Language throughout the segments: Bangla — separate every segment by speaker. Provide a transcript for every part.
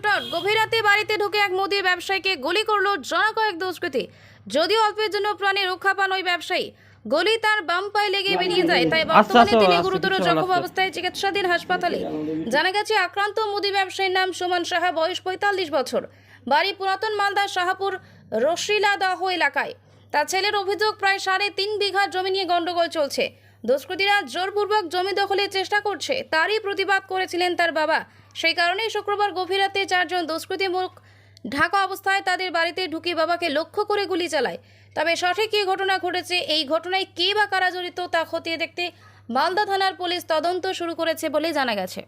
Speaker 1: রিপোর্টার। গভীর রাতে বাড়িতে ঢুকে এক মুদির ব্যবসায়ীকে গুলি করলো জনা কয়েক দুষ্কৃতী। যদিও অল্পের জন্য প্রাণে রক্ষা পান ওই ব্যবসায়ী, গুলি তার বাম পায়ে লেগে বেরিয়ে যায়। তাই বর্তমানে তিনি গুরুতর জখম অবস্থায় চিকিৎসাধীন হাসপাতালে। জানা গেছে আক্রান্ত মুদি ব্যবসায়ীর নাম সুমন সাহা, বয়স ৪৫ বছর, বাড়ি পুরাতন মালদা শাহপুর রশিলাদাহ এলাকায়। তার ছেলের অভিযোগ, প্রায় ৩.৫ বিঘা জমি নিয়ে গন্ডগোল চলছে। দুষ্কৃতীরা জোরপূর্বক জমি দখলের চেষ্টা করছে, তারই প্রতিবাদ করেছিলেন তার বাবা। সেই কারণেই শুক্রবার গভীর রাতে 4 জন দুষ্কৃতী মুখ ঢাকা অবস্থায় তাদের বাড়িতে ঢুকে বাবাকে লক্ষ্য করে গুলি চালায়। তবে সঠিক কী ঘটনা ঘটেছে, এই ঘটনায় কে বা কারা জড়িত তা খতিয়ে দেখতে মালদা থানার পুলিশ তদন্ত শুরু করেছে বলে জানা গেছে।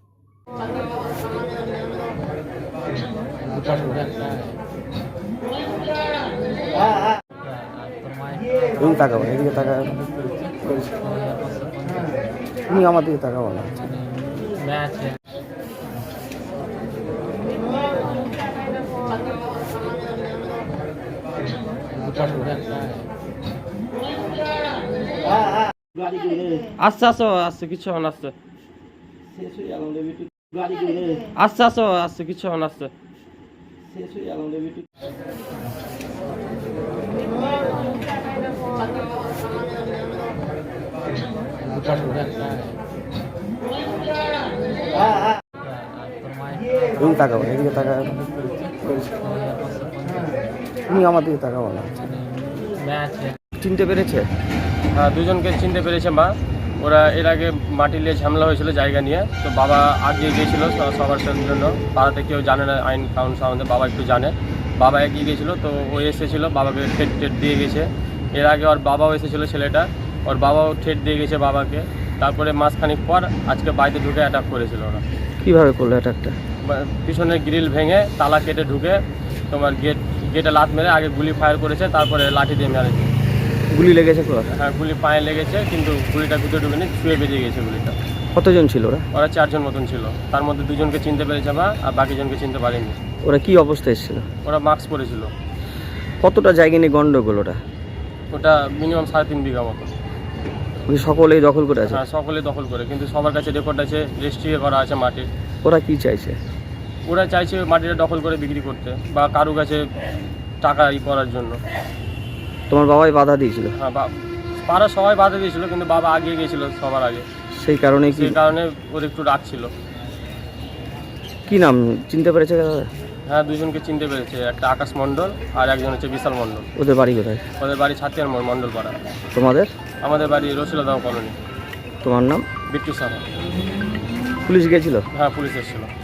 Speaker 2: এদিকে তাকাবো তুমি আমার দিকে তাকাবো না।
Speaker 3: আচ্ছা আসো, আসছে কিছু হন, আসছে আচ্ছা আসো, আসছে কিছু হন, আসছে
Speaker 2: তুমি তাকাবো এদিকে তাকাবো তুমি আমার দিকে তাকাবো না। চিনতে পেরেছে?
Speaker 3: হ্যাঁ, দুজনকে চিনতে পেরেছে মা। ওরা এর আগে মাটি নিয়ে ঝামেলা হয়েছিল জায়গা নিয়ে, তো বাবা আগিয়ে গিয়েছিল সবার জন্য। পাড়াতে কেউ জানে না আইন কানুন সম্বন্ধে, বাবা একটু জানে। বাবা এগিয়ে গিয়েছিল, তো ও এসেছিলো, বাবাকে ঠেট দিয়ে গেছে। এর আগে ওর বাবাও এসেছিলো, ছেলেটা ওর বাবাও ঠেট দিয়ে গেছে বাবাকে। তারপরে মাসখানিক পর আজকে বাড়িতে ঢুকে অ্যাটাক করেছিল ওরা।
Speaker 2: কীভাবে করলো অ্যাটাকটা?
Speaker 3: পিছনের গ্রিল ভেঙে তালা কেটে ঢুকে তোমার গেটে লাত মেরে আগে গুলি ফায়ার করেছে, তারপরে লাঠি দিয়ে মেরেছে।
Speaker 2: গুলি লেগেছে?
Speaker 3: হ্যাঁ, গুলি পায়ে লেগেছে, কিন্তু গুলিটা ভিতরে ঢুকেনি, ছুঁয়ে বেরিয়ে গেছে গুলিটা।
Speaker 2: কতজন ছিল ওরা?
Speaker 3: ওরা 4 জন মতন ছিল, তার মধ্যে 2 জনকে চিনতে পেরেছে মা, আর বাকি জনকে চিনতে পারেনি।
Speaker 2: ওরা কি অবস্থায় এসেছিল?
Speaker 3: ওরা মাস্ক পরেছিল।
Speaker 2: কতটা জায়গা নিয়ে গন্ডগোল ওটা?
Speaker 3: ওটা মিনিমাম 3.5 বিঘা মতো।
Speaker 2: ওই সকলেই দখল করে আছে?
Speaker 3: হ্যাঁ, সকলে দখল করে, কিন্তু সবার কাছে রেকর্ড আছে, রেজিস্ট্রি করা আছে মাটির।
Speaker 2: ওরা কি চাইছে?
Speaker 3: ওরা চাইছে মাটিটা দখল করে বিক্রি করতে বা কারো কাছে টাকা করার জন্য।
Speaker 2: তোমার বাবাই বাধা দিয়েছিল?
Speaker 3: হ্যাঁ, পাড়া সবাই বাধা দিয়েছিল, কিন্তু বাবা আগিয়ে গিয়েছিল সবার আগে।
Speaker 2: সেই কারণে
Speaker 3: ওর একটু রাগ ছিল।
Speaker 2: কি নাম চিনতে পেরেছে?
Speaker 3: হ্যাঁ, 2 জনকে চিনতে পেরেছে, একটা আকাশ মণ্ডল আর একজন হচ্ছে বিশাল মণ্ডল।
Speaker 2: ওদের বাড়ি কোথায়?
Speaker 3: ওদের বাড়ি ছাতিয়ার মণ্ডল পাড়া।
Speaker 2: তোমাদের?
Speaker 3: আমাদের বাড়ি রশিলাদাহ কলোনি।
Speaker 2: তোমার নাম?
Speaker 3: বিট্টু সাহা।
Speaker 2: পুলিশ গেছিল?
Speaker 3: হ্যাঁ, পুলিশ এসেছিল।